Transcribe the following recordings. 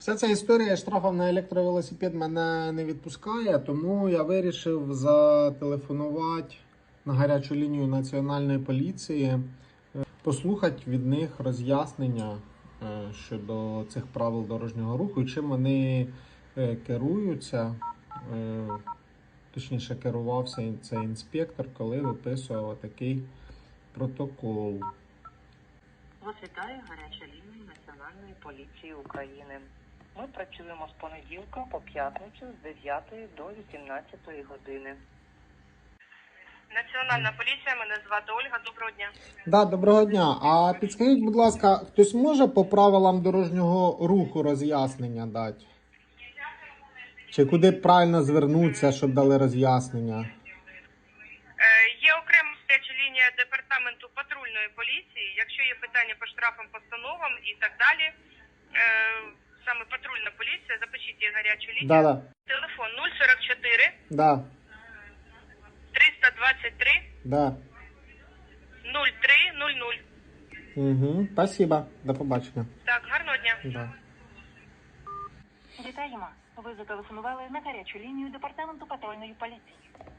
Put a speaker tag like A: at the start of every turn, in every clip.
A: Вся ця історія штрафів на електровелосипед мене не відпускає, тому я вирішив зателефонувати на гарячу лінію Національної поліції, послухати від них роз'яснення щодо цих правил дорожнього руху і чим вони керуються. Точніше, керувався цей інспектор, коли виписував такий протокол.
B: Вас вітає гаряча лінія Національної поліції України. Ми працюємо з понеділка по п'ятницю з 9 до 18 години.
C: Національна поліція, мене звати Ольга. Доброго дня.
A: Да, доброго дня. А підскажіть, будь ласка, хтось може по правилам дорожнього руху роз'яснення дати? Чи куди правильно звернутися, щоб дали роз'яснення?
C: Є окрема гаряча лінія департаменту патрульної поліції. Якщо є питання по штрафам, постановам і так далі, саме патрульна поліція, запишіть її гарячу лінію.
A: Да.
C: Телефон 044
A: Да.
C: 323
A: Да.
C: 0300.
A: Угу. Спасибо. До побачення.
C: Так, гарного дня.
A: Да.
B: Вітаємо. Ви зателефонували на гарячу лінію департаменту патрульної поліції.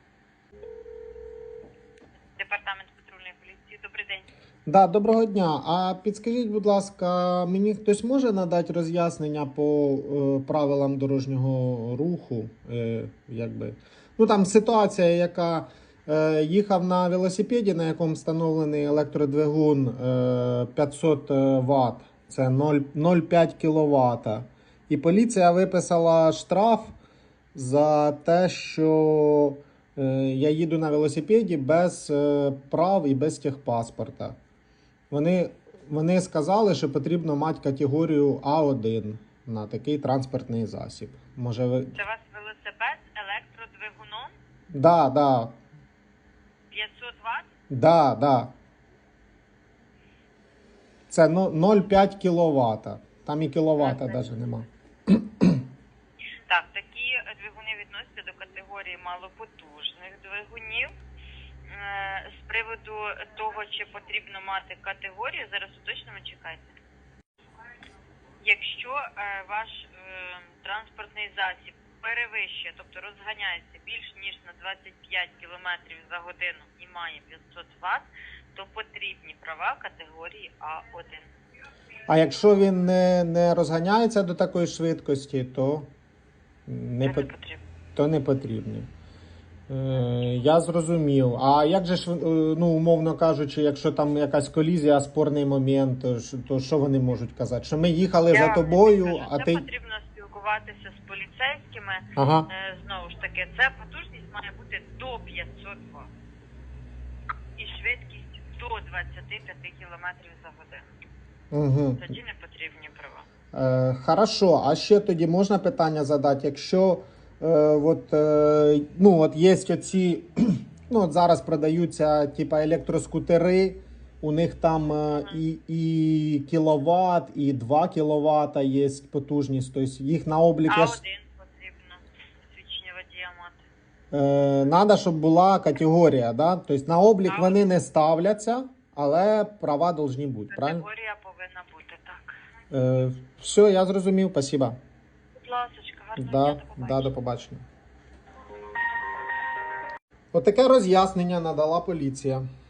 C: Департамент патрульної поліції. Добрий день.
A: Да, доброго дня. А підскажіть, будь ласка, мені хтось може надати роз'яснення по правилам дорожнього руху? Якби. Ну там ситуація, яка їхав на велосипеді, на якому встановлений електродвигун 500 Вт, це 0,5 кВт. І поліція виписала штраф за те, що я їду на велосипеді без прав і без техпаспорта. Вони сказали, що потрібно мати категорію А1 на такий транспортний засіб. Може ви...
C: Це у вас велосипед з електродвигуном
A: Да.
C: 500 Вт?
A: Да. Це 0,5 кВт. Там і кіловата навіть нема.
C: Так, такі двигуни відносяться до категорії малопотужних двигунів. З приводу того, чи потрібно мати категорію, зараз уточнимо, чекайте. Якщо ваш транспортний засіб перевищує, тобто розганяється більш ніж на 25 км за годину і має 500 Вт, то потрібні права категорії А1.
A: А якщо він не розганяється до такої швидкості, то не потрібні. Я зрозумів. А як же ж, ну, умовно кажучи, якщо там якась колізія, спорний момент, то що вони можуть казати? Що ми їхали за тобою, а
C: це
A: ти...
C: потрібно спілкуватися з поліцейськими.
A: Ага.
C: Знову ж таки, ця потужність має бути до 500 Вт. І швидкість до 25 км за годину.
A: Угу.
C: Тоді не потрібні права.
A: Хорошо, а ще тоді можна питання задати, якщо от є оці, ну от зараз продаються типа електроскутери, у них там і кіловат, і 2 кіловата є потужність, тобто їх на облік...
C: А1 потрібно свідчення водія мати.
A: Надо, щоб була категорія, да? Тобто на облік вони не ставляться, але права повинні бути, правильно?
C: Категорія повинна бути, так.
A: Все, я зрозумів, спасибо.
C: Будь ласочка, гарного дня,
A: До побачення. Отаке роз'яснення надала поліція.